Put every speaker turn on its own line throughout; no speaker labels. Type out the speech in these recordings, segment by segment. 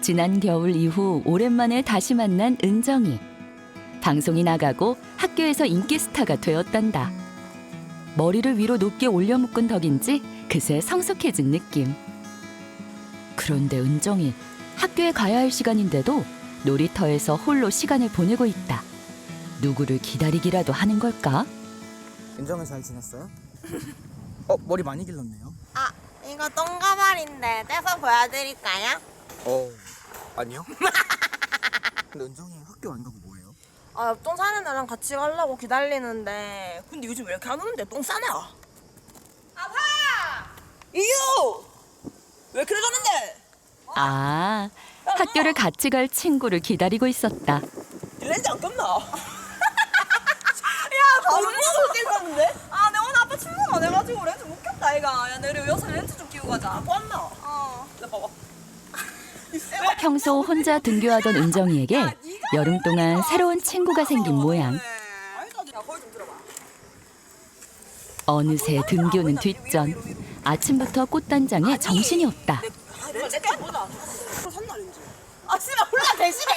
지난 겨울 이후 오랜만에 다시 만난 은정이. 방송이 나가고 학교에서 인기 스타가 되었단다. 머리를 위로 높게 올려 묶은 덕인지 그새 성숙해진 느낌. 그런데 은정이 학교에 가야 할 시간인데도 놀이터에서 홀로 시간을 보내고 있다. 누구를 기다리기라도 하는 걸까?
은정은 잘 지냈어요? 머리 많이 길렀네요.
아, 이거 똥가발인데 떼서 보여드릴까요?
아니요. 근데 은정이 학교 안 가고 뭐해요?
아, 옆동 사는 애랑 같이 가려고 기다리는데 근데 요즘 왜 이렇게 안 오는데 똥 싸나? 아파! 이유! 왜 그래 가는데?
아, 학교를 같이 갈 친구를 기다리고 있었다.
렌즈 안 꼈나? 야, 바로 렌즈 끼고 갔는데? 아, 내 오늘 아빠 출근 안 해가지고 렌즈 못 꼈다, 얘가. 야, 내일 여기서 렌즈 좀 끼고 가자. 아빠 왔나? 나 봐봐.
평소 혼자 등교하던 은정이에게 여름 동안 새로운 친구가 생긴 모양. 어느새 등교는 뒷전. 아침부터 꽃단장에 정신이 없다.
렌즈 보자. 샀나 렌즈? 아, 씨발 몰라 대신에.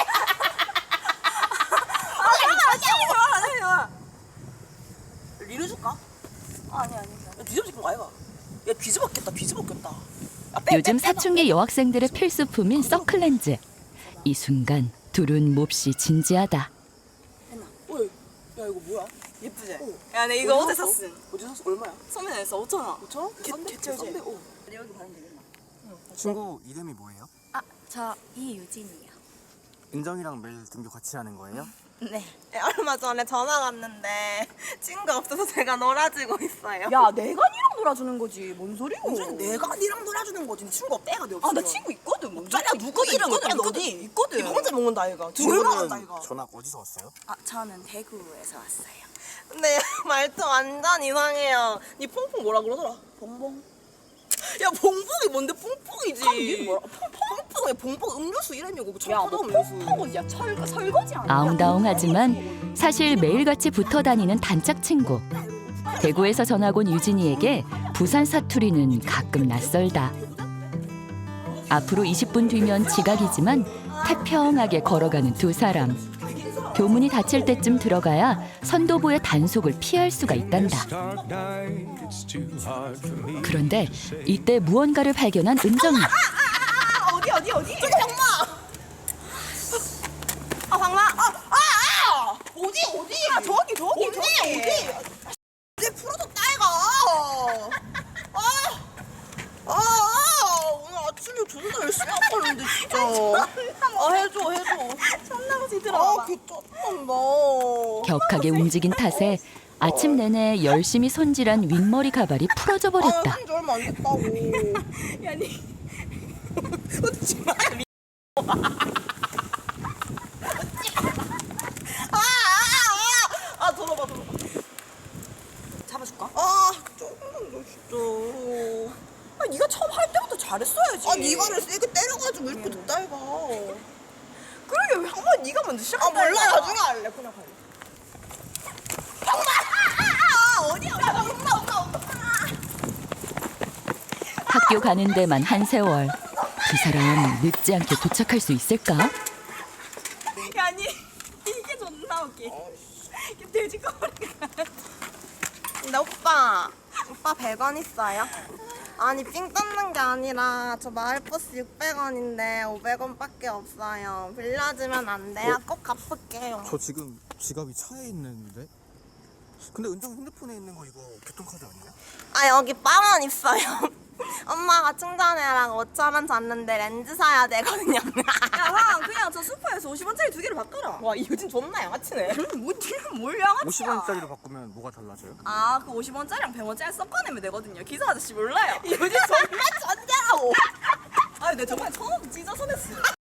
아니야. 리를 줄까? 아니. 야, 뒤집어진 거 아이가? 야, 뒤집었겠다.
요즘 사춘기 여학생들의 필수품인 선클렌즈. 이 순간 둘은 몹시 진지하다.
어이, 야 이거 뭐야? 예쁘지? 야, 내 이거 어제 샀음.
어디 샀어? 얼마야?
소민에서 5,000원.
5,000원?
개쩔지?
싼데?
여기 바르면 되겠나?
친구 이름이 뭐예요?
아, 저 이유진이요.
은정이랑 매일 등교 같이 하는 거예요?
네.
얼마 전에 전화 왔는데 친구가 없어서 제가 놀아주고 있어요.
야, 내가 니랑 놀아주는 거지. 뭔 소리고?
은정이 내가 니랑 놀아주는 거지. 니 친구 없다, 애가 내 없어.
아, 나 친구 있거든. 뭔
짜리야, 누구 이름은 빼 어디?
있거든.
이거 혼자 먹는다, 얘가. 얼마 간다, 이거.
전학 어디서 왔어요?
아, 저는 대구에서 왔어요.
근데 말투 완전 이상해요. 니 퐁퐁 뭐라 그러더라?
봉봉.
야, 봉봉이 뭔데 퐁퐁이지?
그럼 니는 뭐라?
퐁퐁 왜 봉봉 음료수 이름이고 그
야,
청포도
뭐
음료수.
퐁퐁은 야, 설거지 아니야?
아웅다웅하지만 사실 매일같이 붙어 다니는 단짝 친구. 대구에서 전학 온 유진이에게 부산 사투리는 가끔 낯설다. 앞으로 20분 뒤면 지각이지만 태평하게 걸어가는 두 사람. 교문이 닫힐 때쯤 들어가야 선도부의 단속을 피할 수가 있단다. 그런데 이때 무언가를 발견한 은정이.
어디? 저기 장마! 아, 장마! 어디? 아, 저기! 어디? 이제 풀어줬다, 이가! 오늘 아침에 존나 열심히 아팠는데, 진짜. 해줘.
천나무지 들어.
개쩐다.
격하게 움직인 탓에 아침 내내 열심히 손질한 윗머리 가발이 풀어져 버렸다.
한지 얼마 안 됐다고.
야, 니.
웃지 마, 들어봐.
잡아줄까?
조금만 더 진짜.
아, 네가 처음 할 때부터 잘했어야지.
네가를 세게 때려가지고 이렇게 됐다, 이가.
그러게 왜 한 번 네가 먼저 시작했다.
몰라,
이거야.
나중에 할래, 그냥 할래. 어디야, 엄마.
학교 가는 데만 한 세월. 두 사람 늦지 않게 도착할 수 있을까?
야, 니 이게 존나 웃기. 돼지 거리가.
근데 오빠 100원 있어요? 아니, 삥 뜯는 게 아니라 저 마을버스 600원인데 500원밖에 없어요. 빌려주면 안 돼요? 꼭 갚을게요.
저 지금 지갑이 차에 있는데? 근데 은정 핸드폰에 있는 거 이거 교통카드 아니에요?
아, 여기 10,000원 있어요. 엄마가 충전해라고 5,000원 줬는데 렌즈 사야 되거든요.
야, 황, 그냥 저 슈퍼에서 50원짜리 2개를 바꿔라.
와, 이 요즘 존나 양아치네.
뭐, 니는 뭘 양아치야?
50원짜리로 바꾸면 뭐가 달라져요?
아, 그 50원짜리랑 100원짜리 섞어내면 되거든요. 기사 아저씨 몰라요?
요즘 존나 천재라고.
아니, 내 저번에 1,000원 찢어서 냈어.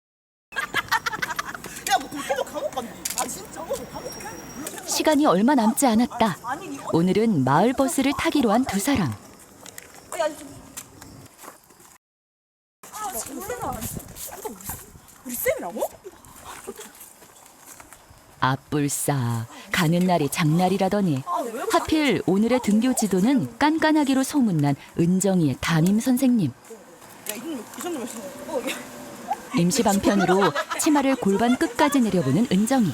야, 뭐 그렇게도 감옥 갔니? 아, 진짜? 감옥 갔니?
시간이 얼마 남지 않았다.
아니, 니
오늘은 마을 버스를 타기로 한 두 사람.
야, 우리 쌤이라고?
앞불싸 가는 날이 장날이라더니 하필 오늘의 등교 지도는 깐깐하기로 소문난 은정이의 담임 선생님.
야, 이 정도면
임시 방편으로 치마를 골반 끝까지 내려보는 은정이.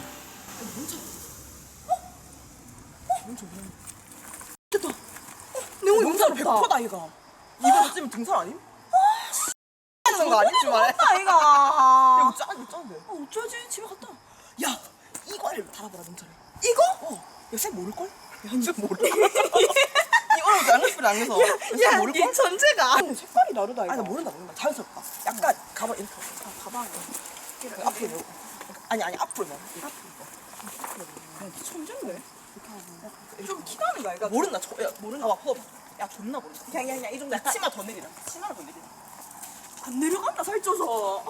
내용이
능선 100%다 이거. 이거 어쩌면 등산 아님?
하는 거 아니지 말해.
야,
이거.
이거 짠데.
어쩌지? 집에 갔다.
야, 이거를 달아보라 능선에.
이거?
야, 쌤 모를걸? 야, 쌤 모를걸? 이거는 양옆을 안 해서. 쌤 모를걸?
이 전체가.
근데 색깔이 다르다 이거. 아니, 나 모른다. 자연스럽다. 약간 가방 이렇게. 가방. 앞에 뭐. 아니, 앞으로 봐.
천재인데? 좀 키가 나는 거야.
모른다. 야, 모른다. 봐, 봐봐. 야, 존나 모른다. 야, 이 정도. 치마 더 내리라. 치마를 더 내리라.
안 내려간다 살쪄서.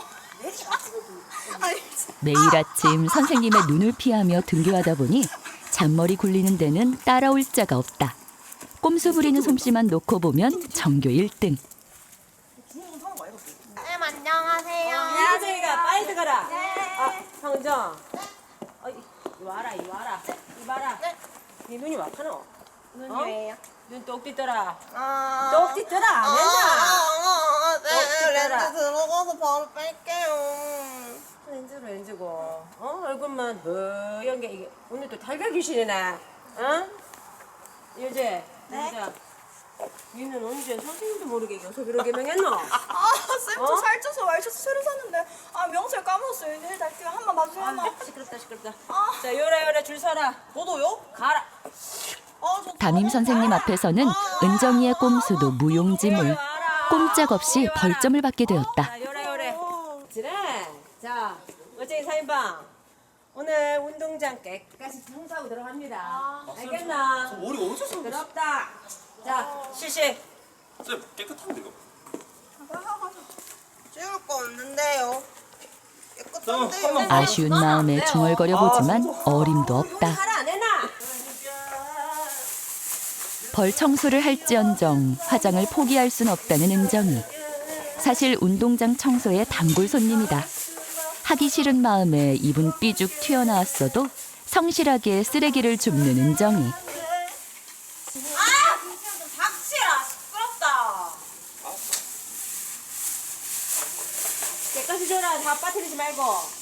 매일 아침 선생님의 눈을 피하며 등교하다 보니 잔머리 굴리는 데는 따라올 자가 없다. 꼼수 부리는 솜씨만 놓고 보면 전교 1등.
쌤 안녕하세요.
야, 저기가 빨리 들어가라. 아, 황정. 이리 와라, 이리 와라. 이리 봐라. 네 눈이 막하노?
눈이에요.
눈 똑 띠더라.
아.
똑 띠더라. 안 된다.
네,
띠더라.
렌즈 들어가서 바로 뺄게요.
렌즈고. 얼굴만 허연 게 이게 오늘 또 달걀 귀신이네. 어? 여제. 네. 니는 언제 선생님도 모르게 여석이로 개명했노?
쌤, 저
어?
살쪄서 와이셔츠 새로 샀는데 명찰 까먹었어요. 내일 달게요. 한 번 봐주세요. 한 번.
시끄럽다. 자, 요래 줄 서라.
너도요?
가라.
담임 선생님 앞에서는 은정이의 꼼수도 무용지물. 꼼짝없이 벌점을 받게 되었다.
자, 요래. 그래. 자, 어째 사인방. 오늘 운동장 깨끗이 청소하고 들어갑니다. 알겠나?
머리 어디서 써?
더럽다. 자, 실시.
쌤 깨끗한데 이거.
찍을 거 없는데요. 깨끗한데요.
아쉬운 마음에 중얼거려 보지만 어림도 없다.
하라 안 해놔.
벌 청소를 할지언정 화장을 포기할 순 없다는 은정이. 사실 운동장 청소의 단골 손님이다. 하기 싫은 마음에 입은 삐죽 튀어나왔어도 성실하게 쓰레기를 줍는 은정이.
닥치라. 시끄럽다. 깨끗이 줘라. 다 빠뜨리지 말고.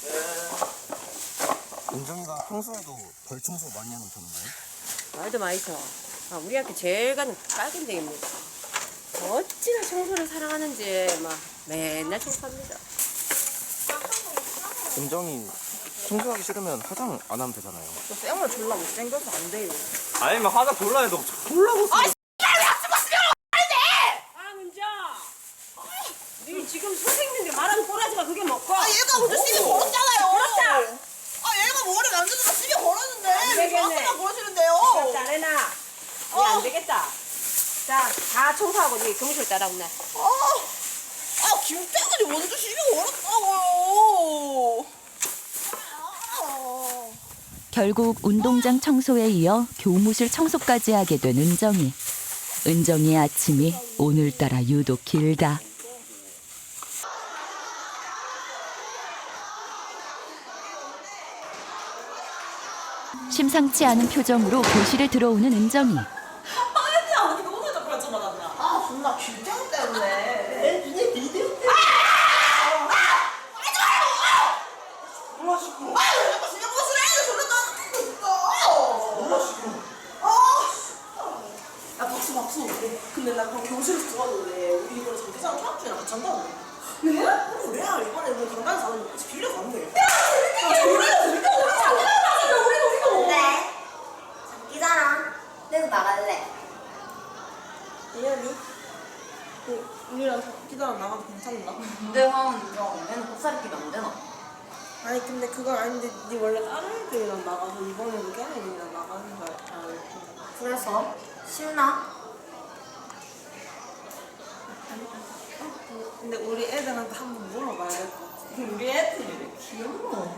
은정이가 평소에도 벌 청소 많이 하는 편인가요?
말도 많이죠. 우리 학교 제일 가는 깔끔쟁입니다. 어찌나 청소를 사랑하는지 막 맨날 청소합니다.
은정이 청소하기 싫으면 화장 안 하면 되잖아요.
저 쌤을 졸라 못생겨서 안 돼요.
아니면 화장 졸라 해도 졸라 못 써.
은정! 니 지금 선생님들 말하는 꼬라지가 그게 뭐고?
얘가 먼저 시비 걸었잖아요.
그렇다!
얘가 머리 만져서 시비 걸었는데
안 되겠네.
저한테만 그러시는데요.
잘해놔. 니안 되겠다. 자, 다 청소하고 니 교무실 따라오네.
김태근이 먼저 시비 걸었다고요.
결국 운동장 청소에 이어 교무실 청소까지 하게 된 은정이. 은정이의 아침이 오늘따라 유독 길다. 심상치 않은 표정으로 교실에 들어오는 은정이.
존나 김태근 때문에. 눈에 비디오 때문에.
야, 박수. 근데 나 그럼 교실에서 들어왔는데 우리 이번에 장기자랑 통합주랑 같이 한다는데. 네? 그래야 이번에 우리 강단 사는 같이 빌려서 안 돼.
네. 장기자랑 내가 나갈래.
예연이? 우리랑 장기자랑 나가도 괜찮나?
근데 형 이거 맨날 곱살이 끼면 안 되나?
아니 근데 그건 아닌데 네 원래 다른 애들이랑 나가서 이번에는 걔네들이랑 나가는 거야.
그래서 싫나?
근데 우리 애들한테 한번 물어봐야 될 것 같아.
우리 애들이 왜 귀여워?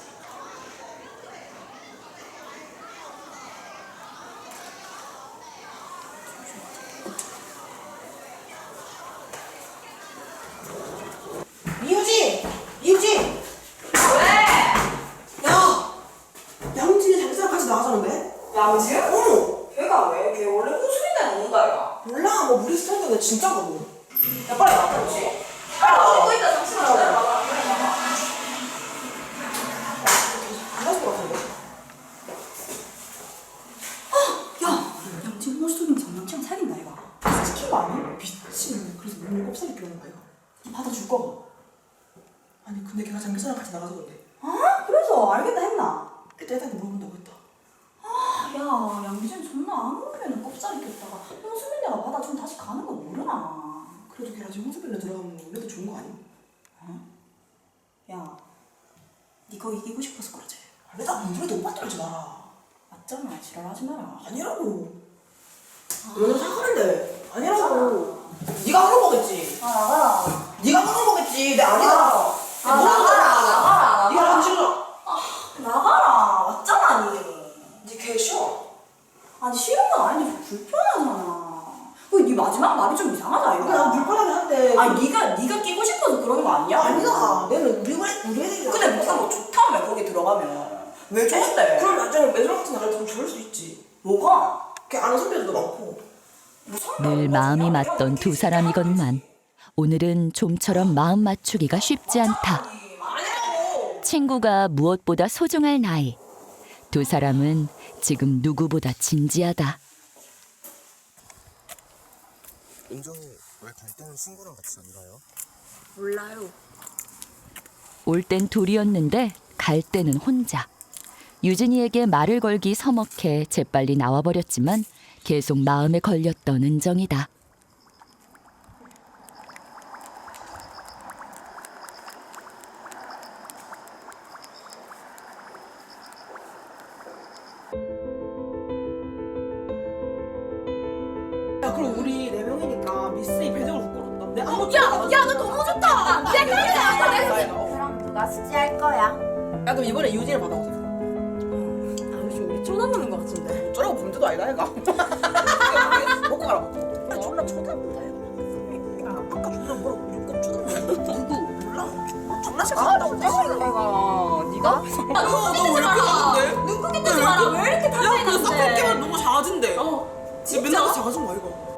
이유진! 왜? 야! 양진이 장기자랑 같이 나가자는데?
양지?
어!
걔가 왜? 걔 원래 호수인데 노는다 이가.
몰라 뭐 우리 스타일인데 진짜거든.
야 빨리 나가지. 빨리 나가. 어디 있다 잠시만 기다려봐.
곱살이 필요한 거야 이거. 받아줄 거가. 아니 근데 걔가 장기사랑 같이 나가서 그래.
아 그래서 알겠다 했나?
일단 애한테 물어본다고 했다.
야 양기준 존나 아무리면 꼽살이 꼈다가 홍수민 내가 받아주면 다시 가는 거 모르나?
그래도 걔랑 지금 홍수빌라 들어가면 우리도 좋은 거 아니?
야 니가 이기고 싶어서 그러지?
내가 아무래도 오빠 떨지 마라.
맞잖아 지랄하지 마라.
아니라고. 너는 생각하는데 아니라고. 네가 그런 거겠지.
아 나가라.
네가 그런 거겠지. 내 아니다.
나가라.
네가 안 싫어.
나가라. 맞잖아 니.
네개 싫어.
아니 싫은 건 아닌데 좀 불편하잖아. 네 마지막 말이 좀 이상하다 이거.
그래 난 불편하긴 한데.
아니 네가 끼고 싶어서 그런 거 아니야?
아니다. 내는 우리 애들이랑.
근데 네가 뭐 좋다며 거기 들어가면. 왜 좋은데?
그럼 나중에 매점 같은 나갈 때 좋을 수 있지.
뭐가?
걔 아는 선배들도 많고.
늘 마음이 맞던 두 사람이건만 오늘은 좀처럼 마음 맞추기가 쉽지 않다. 친구가 무엇보다 소중할 나이. 두 사람은 지금 누구보다 진지하다.
은정이 왜 갈 때는 친구랑 같이 안 가요?
몰라요.
올 땐 둘이었는데 갈 때는 혼자. 유진이에게 말을 걸기 서먹해 재빨리 나와버렸지만 계속 마음에 걸렸던 은정이다.
야 그럼 우리 4명이니까 미스이 배정을 부끄럽다. 내가 아무
야, 너 너무 좋다.
그럼 누가 숙제할 거야?
야 그럼 이번에 유진을 받아보자.
우리 쳐다보는 거 같은데.
어쩌라고 범죄도 아니다 얘가. 먹고 가라. 아 존나 쳐다본다 얘가. 아까 존나 뭐라고 꼭 쳐다본다. 누구? 몰라. 존나 싫어한다고.
내가 네가?
너왜 이렇게 하는데?
눈 크게 뜨지 마라. 왜 이렇게
야, 그
탓하는데?
쌍꺼풀 너무 작아진대. 어. 지금 맨날 같이 작아진 거 아이가?